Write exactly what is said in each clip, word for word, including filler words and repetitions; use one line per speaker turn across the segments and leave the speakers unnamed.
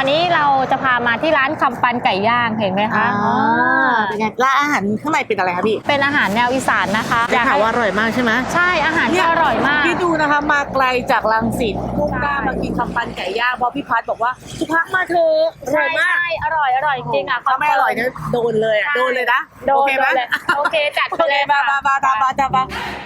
วันนี้เราจะพามาที่ร้านคำปันไก่ย่างเห็นไหมคะอ๋อ
เป็นไงร้านอาหารข้างในเป็นอะไรคะพี่
เป็นอาหารแนวอีสานนะคะ
อยากถามว่าอร่อยมากใช่ไหม
ใช่อาหารก็อร่อยมาก
พี่ดูนะคะมาไกลจากรังสิตมุ่งหน้ามากินคำปันไก่ย่างเพราะพี่พัดบอกว่าสุพักมาเถอะอร่อยมาก
อร่อยอร่อยจริงอ่ะ
ถ้าไม่อร่อยเนี่ยโดนเลยอ่ะโดนเลยนะ
โดนเลยโอเคจัดไปเลย
มามามามามามา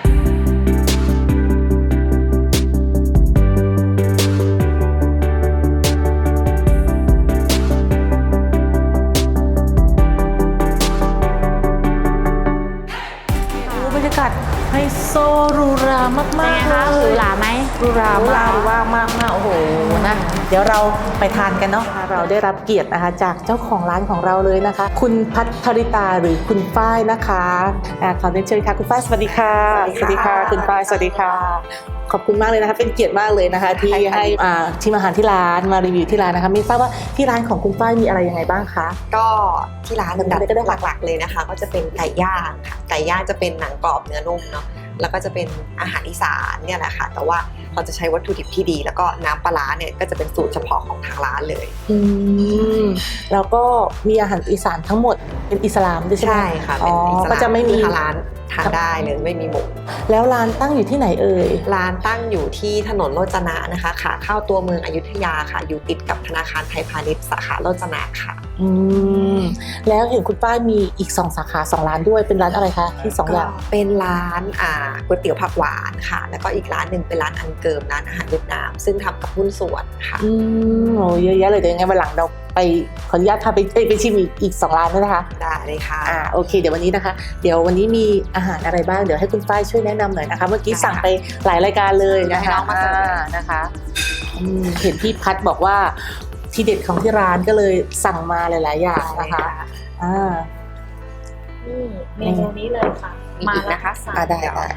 บรรยากาศไฮโซหรูหรามากๆเลย
คะหรูหราไหม
หรูหรามากหรูหรามากมากโอ้โหนะเดี๋ยวเราไปทานกันเนาะเราได้รับเกียรตินะคะจากเจ้าของร้านของเราเลยนะคะคุณพัทริตาหรือคุณฝ้ายนะคะขอเรียนเชิญค่ะคุณฝ้ายสวัสดีค่ะสวัสดีค่ะคุณฝ้ายสวัสดีค่ะขอบคุณมากเลยนะคะเป็นเกียรติมากเลยนะคะที่ให้ชิมอาหารที่ร้านมารีวิวที่ร้านนะคะไม่ทราบว่าที่ร้านของคุณฝ้ายมีอะไรยังไงบ้างคะ
ก็ที่ร้านดับหลักๆเลยนะคะก็จะเป็นไก่ย่างค่ะไก่ย่างจะเป็นหนังกรอบเนื้อนุ่มเนาะแล้วก็จะเป็นอาหารอีสานเนี่ยแหละค่ะแต่ว่าเราจะใช้วัตถุดิบที่ดีแล้วก็น้ำปลาร้าเนี่ยก็จะเป็นสูตรเฉพาะของทางร้านเลย
อืมแล้วก็มีอาหารอีสานทั้งหมดเป็นอิสลามด้วยใช่ไหม
ใช่ค่ะเป็นอิสลาม
ก็จะไม่มี
ร้านทานได้เลยไม่มีหมู
แล้วร้านตั้งอยู่ที่ไหนเอ่ย
ร้านตั้งอยู่ที่ถนนโรจนะนะคะขาเข้าตัวเมืองอยุธยาค่ะอยู่ติดกับธนาคารไทยพาณิชย์สาขาโรจนะค่ะ
อืมแล้วเห็นคุณป้ามีอีกสองสาขาสองร้านด้วยเป็นร้านอะไรคะที่สองอย่าง
เป็นร้านอ่าก๋วยเตี๋ยวผักหวานค่ะแล้วก็อีกร้านหนึ่งเป็นร้านอันเกิมร้านอาหารเวียดนามซึ่งทำกับหุ้นส่วนค่ะ
อืมโอ้เยอะแยะเลยเดี๋ยวยังไงวันหลังเราไปขออนุญาตพาไปไปชิมอีกอีกสองร้านด้วยนะคะ
ได้เลยค่ะ
อ่าโอเคเดี๋ยววันนี้นะคะเดี๋ยววันนี้มีอาหารอะไรบ้างเดี๋ยวให้คุณฝ้ายช่วยแนะนำหน่อยนะคะเมื่อกี้สั่งไปหลายรายการเลยนะคะนะคะเห็นพี่พัดบอกว่าทีเด็ดของที่ร้านก็เลยสั่งมาหลายๆอย่างนะคะอ่า
นี่เมนูนี้เลยค่ะ
มาอีกนะคะ
อ่าได้ได้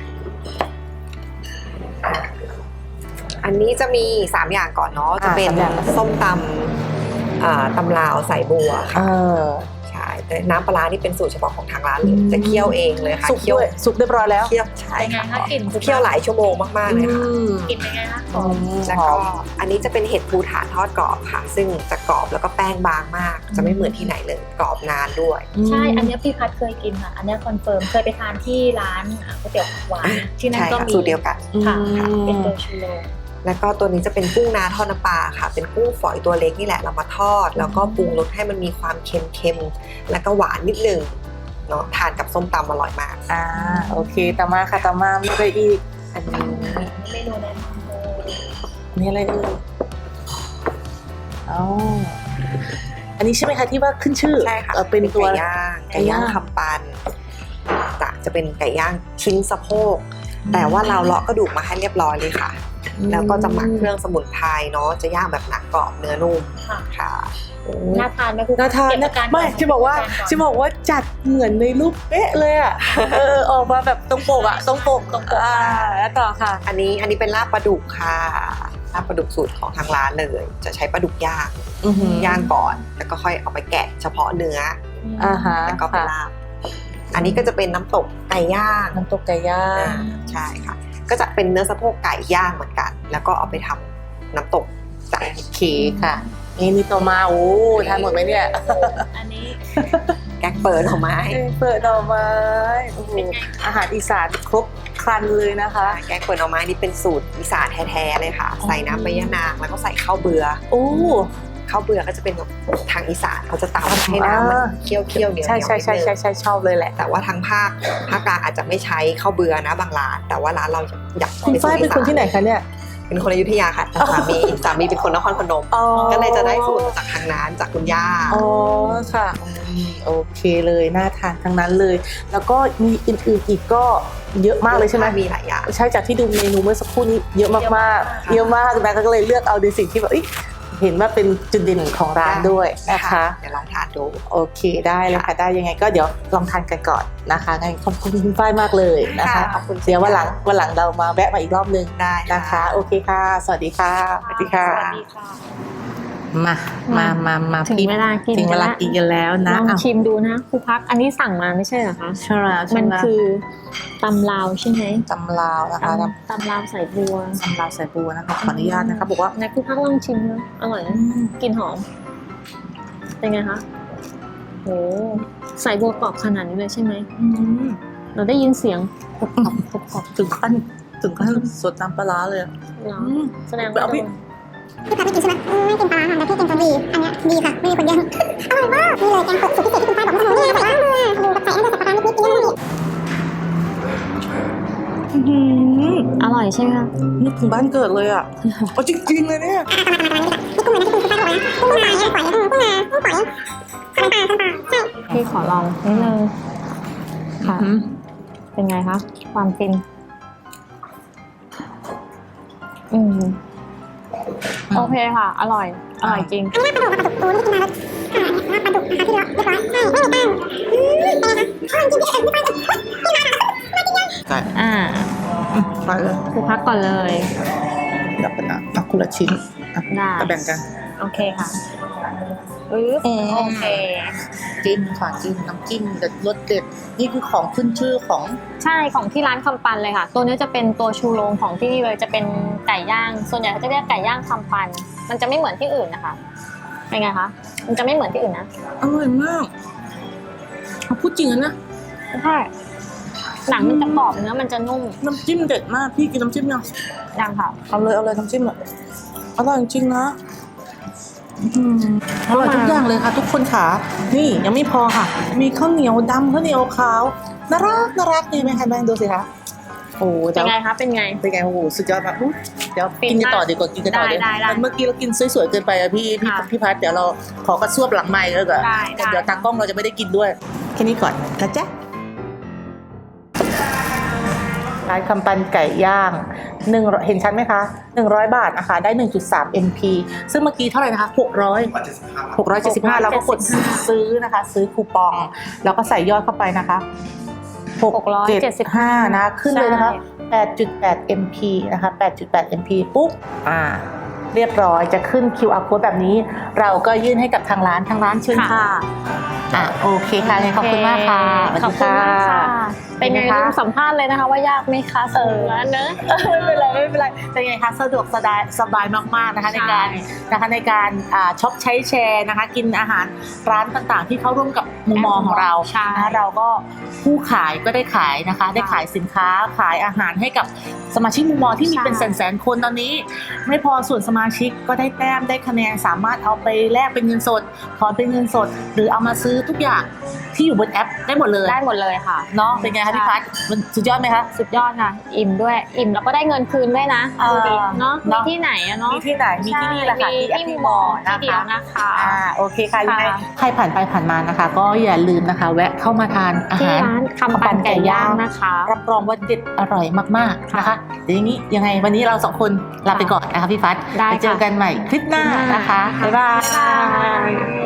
อันนี้จะมีสามอย่างก่อนเนาะจะเป็นส้มตำตำลาวใส่บัวค่ะใช่แต่น้ำปลานี่เป็นสูตรเฉพาะของทางร้านเลยจะเคี่ยวเองเลยค่ะ
สุกด้วยสุกเรียบร้อยแล้ว
เคี่ยวใช่ค่ะเคี่ยวหลายชั่วโมงมากๆเลยค่ะ
กินเป็นไงคะ
แล้วก็อันนี้จะเป็นเห็ดภูฐานทอดกรอบค่ะซึ่งจะกรอบแล้วก็แป้งบางมากจะไม่เหมือนที่ไหนเลยกรอบนานด้วย
ใช่อันนี้พี่พัดเคยกินค่ะอันนี้คอนเฟิร์มเคยไปทานที่ร้านก๋วยเตี๋ยวผักหวานที่นั่นก็มี
สูตรเดียวกัน
ค่ะเป็นตัวชูโร
แล้วก็ตัวนี้จะเป็นกุ้งนาทอดน้ำปลาค่ะเป็นกุ้งฝอยตัวเล็กนี่แหละเรามาทอดแล้วก็ปรุงรสให้มันมีความเค็มๆแล้วก็หวานนิดนึงเนาะทานกับส้มตำอร่อยมาก
อ่าโอเคต่อมาค่ะต่อมามีอะไรอีก
อันนี้
เมนูนั้น
มีอะไรเอ่ยอ๋ออันนี้ใช่ไหมคะที่ว่าขึ้นชื่อ
ใช่ค่ะ
เป็นตัว
ไก่ย่างไก่ย่างคำปันจะเป็นไก่ย่างชิ้นสะโพกแต่ว่าเราเลาะกระดูกมาให้เรียบร้อยเลยค่ะแล้วก็จะหมักเครื่องสมุนไพรเนาะจะย่างแบบหนังกรอบเนื้อนุ่มค่ะ
น่าทานไหมคุณ
น่าทานนะไม่จะบอกว่าจะบอกว่าจัดเหมือนในรูปเป๊ะเลยอ่ะเออออกมาแบบตรงปกอ่ะตรงปกตรงปกอ่าแล้วต่อค่ะ
อันนี้อันนี้เป็นลาบปลาดุกค่ะลาบปลาดุกสูตรของทางร้านเลยจะใช้ปลาดุกย่างย่างก่อนแล้วก็ค่อยเอาไปแกะเฉพาะเนื้อ
อ่าฮะ
แล้วก็ไปลาบอันนี้ก็จะเป็นน้ำตกไก่ย่าง
น้ำตกไก่ย่าง
ใช่ค่ะก็จะเป็นเนื้อสะโพกไก่ย่างเหมือนกันแล้วก็เอาไปทำน้ำตกใส่
เคค่ะนี่นี่ตัวมาโอ้ทานหมดไหมเนี่ย
อันนี้
แกงเปิดหน่อไม้
เปิดหน่อไม้อาหารอีสานครบครันเลยนะคะ
แกงเปิดหน่อไม้นี่เป็นสูตรอีสานแท้ๆเลยค่ะใส่น้ำใบยะนางแล้วก็ใส่ข้าวเบื่อ
โอ้
ข้าวเบื่อก็จะเป็นแบบทางอีสานเขาจะตำให้น้ำมันเคี่ยวเคี่ยวเหนียว
ใช่ใช่ใช่ใช่ใช่ชอบเลยแหละ
แต่ว่าทางภาคภาคกลางอาจจะไม่ใช้ข้าวเบื่อนะบางร้านแต่ว่าร้านเราอยาก
คุณฝ้ายเป็นคนที่ไหนคะเนี่ย
เป็นคนอยุธยาค่ะแต่สามีสามีเป็นคนนครพนมก็เลยจะได้สูตรจากทางนั้นจากคุณย่า
อ๋อค่ะโอเคเลยน่าทานทั้งนั้นเลยแล้วก็มีอื่นๆอีกก็เยอะมากเลยใช่ไหม
มีหลายอย่าง
ใช่จากที่ดูเมนูเมื่อสักครู่นี้เยอะมากๆเยอะมากนะก็เลยเลือกเอาในสิ่งที่แบบเห็นว่าเป็นจุดเด่นของร้านด้วยนะคะ
เดี๋ยวลองทานดู
โอเคได้เลยค่ะได้ยังไงก็เดี๋ยวลองทานกันก่อนนะคะงั้นขอบคุณคุณฝ้ายมากเลยนะคะเดี๋ยววันหลังวันหลังเรามาแวะมาอีกรอบนึง
ได้
นะคะโอเคค่ะสวัสดีค่ะ
สวัสดีค่ะ
มามามามา
ถึงเวลากิน
ถึงเวลากินกันแล้วนะ
ลองชิมดูนะครูพักอันนี้สั่งมาไม่ใช่เหรอคะ
ใช่แล้ว
มันคือตำลาวใช่ไหม
ตำลาวนะคะ
ตำลาวใส่บัว
ตำลาวใส่บัวนะคะขออนุญาตนะคะบอกว่า
ในครูพักลองชิมนะอร่อยนะกลิ่นหอมเป็นไงคะโหใส่บัวกรอบขนาดนี้เลยใช่ไหม
อืม
เราได้ยินเสียงกรอบกรอบกรอบกรอบ
ถึงขั้นถึงขั้นสดน้ำปลาร้าเลยอะ
เหรอ
อืม
แสดงว่า
เอาพี่
โดน
พี่พัดไม่กินใช่ไหมอืมไม่กินปลาค่ะแต่พี่กินตัวดีอันเนี้ยดีค่ะไม่มีคนแย่งอร่อยมากนี่เลยแกงเผ็ดสูตรพิเศษที่คุณป้าบอกว่าทำนี่ใส่ล่างเลยดูแบบใส่อันเดอร์ใส่ปลาร้านิดๆกินได้เลย
อื้อหือ
อร่อยใช่ไหมคะ
นึกถึงบ้านเกิดเลยอ่ะเอาจริงๆเลยเนี่ย
นี่กุ้งเลยนะที่คุณป้าบอกนะกุ้งลายกุ้งฝอยกุ้งกุ้งนากุ้งฝอยคันปลาคันปลาใช่
พี่ขอลองนิดนึงค่ะ
อืม
เป็นไงคะความฟินอืมโอเคค่ะ อร่อย อร่อยจริง
อันนี้ปลาดุกปลาดุกตัวนี่กินมาแล้วค่ะปลาดุกนะคะที่เราเรียบร้อยใช่ไม่มีแป้งอืมเป็นไงคะอร่อยจริงพี่เอ็ดพี่ป้าพี่มาค่ะ
ไก่
อ่า
อืมไปเลย
คือพักก่อนเลย
เดี๋ยวกันนะเอาคนละชิ้นอ่ะ
ได้
มาแบ่งกัน
โอเคค่ะอือ
อืม
โอเค
จิ้มค่ะจิ้มน้ำจิ้มเด็ดรสเด็ดนี่คือของขึ้นชื่อของ
ใช่ของที่ร้านคำปันเลยค่ะ ตัวนี้จะเป็นตัวชูโรงของที่นี่เลยจะเป็นไก่ย่าง ส่วนใหญ่เขาจะเรียกไก่ย่างคำปัน มันจะไม่เหมือนที่อื่นนะคะเป็นไงคะมันจะไม่เหมือนที่อื่นนะ
อร่อยมากเอาพูดจริงนะ
ใช่หนังมันจะกรอบเนื้อมันจะนุ่ม
น้ำจิ้มเด็ดมากพี่กินน้ำจิ้มยัง
ยังค่ะ
เอาเลยเอาเลยน้ำจิ้มอ่ะอร่อยจริงๆนะอืมอร่อยทุกอย่างเลยค่ะ ทุกคนค่ะนี่ยังไม่พอค่ะ มีข้าวเหนียวดำข้าวเหนียวขาวน่ารักน่ารักดีไหมคะแม่ดูสิคะโอ้
เป็นไงคะเป็นไง
เป็นไงโอ้โหสุดยอดมากอุ๊ยเดี๋ยว
ฟิน
กินกันต่อ
มาก
ดีกว่ากินกันต่อ
ได้
เดี๋ยว
ได้ได้
เมื่อกี้เรากินสวยๆเกินไปอะพี่พี่
ค่ะ
พี่พัดเดี๋ยวเราขอกระซวบหลังไมค์แล้วก็
ได้ได้
เดี๋ยวตากล้องเราจะไม่ได้กินด้วยแค่นี้ก่อนนะจ๊ะร้านคำปันไก่ย่างหนึ่งเห็นชัดไหมคะหนึ่งร้อยบาทนะคะได้ หนึ่งจุดสาม เอ็ม พี ซึ่งเมื่อกี้เท่าไหร่นะคะหกร้อย หกร้อยเจ็ดสิบห้าเราก็กดซื้อนะคะ ซื้อคูปองแล้วก็ใส่ยอดเข้าไปนะคะหกเจ็ดห้านะขึ้นเลยนะคะ แปดจุดแปด เอ็ม พี นะคะ แปดจุดแปด เอ็ม พี ปุ๊บอ่าเรียบร้อยจะขึ้น คิว อาร์ Code แบบนี้ เราก็ยื่นให้กับทางร้านทางร้านเชิญค่ะอ่ะโอเคค่ะขอบคุณมากค่ะสวัส
ขอบ
ดี
คุณ
ค่ะ
มากค่ะ เป็นไง
เป็นไงคะ
ลืมสัมภาษณ์เลยนะคะ ว่ายากไหมคะสูงแล้วเนอะ
ไม่เป็นไรไม่เป็นไรเป็นไงคะสะดวกสบายสบายมากๆนะคะ
ใช่
ในการนะคะในการอ่าช็อปใช้แชร์นะคะ กินอาหารร้านต่างๆ ที่เข้าร่วมกับมุมมองของเรา
ใช่
นะคะเราก็ผู้ขายก็ได้ขายนะคะ ได้ขายสินค้าขายอาหารให้กับสมาชิกมุมมองที่มี
ใช่
เป็นแสนๆคนตอนนี้ ไม่พอส่วนสมาชิกก็ได้แต้มได้คะแนนสามารถเอาไปแลกเป็นเงินสดถอนเป็นเงินสด หรือเอามาซื้อทุกอย่างที่อยู่บนแอปได้หมดเลย
ได้หมดเลยค่ะ
เนาะเป็นไงคะพี่พัดมันสุดยอดไหมคะ
สุดยอดค่ะ อิ่มด้วย อิ่มแล้วก็ได้เงินคืนด้วยนะ
เออ
ดูดิเนาะ
เน
มี
อะ
ที่ไหนอะเนาะ
มีที่ไหนมีที่นี่แหละค่ะ
มี
ที่แอป
ที่
ที่
ม
ม
อ
อ
ที่
นะ
เดียว
คะ
นะคะ
อ่าโอเคค่ะยังไง
ค่ะ
ใครผ่านไปผ่านมานะคะ ก็อย่าลืมนะคะ แวะเข้ามาทานอา
ที่
หาร
ร้านคำปันไก่ย่างนะคะ
รับรองว่าเด็ดอร่อยมากๆนะคะเดี๋ยวอย่างนี้ยังไงวันนี้เราสองคนลาไปก่อนนะคะพี่ฟัด
ได้
ไปเจอ
ค่ะ
กันใหม่คลิปหน้านะคะ
ค่ะ
บ๊ายบาย
บ๊ายบาย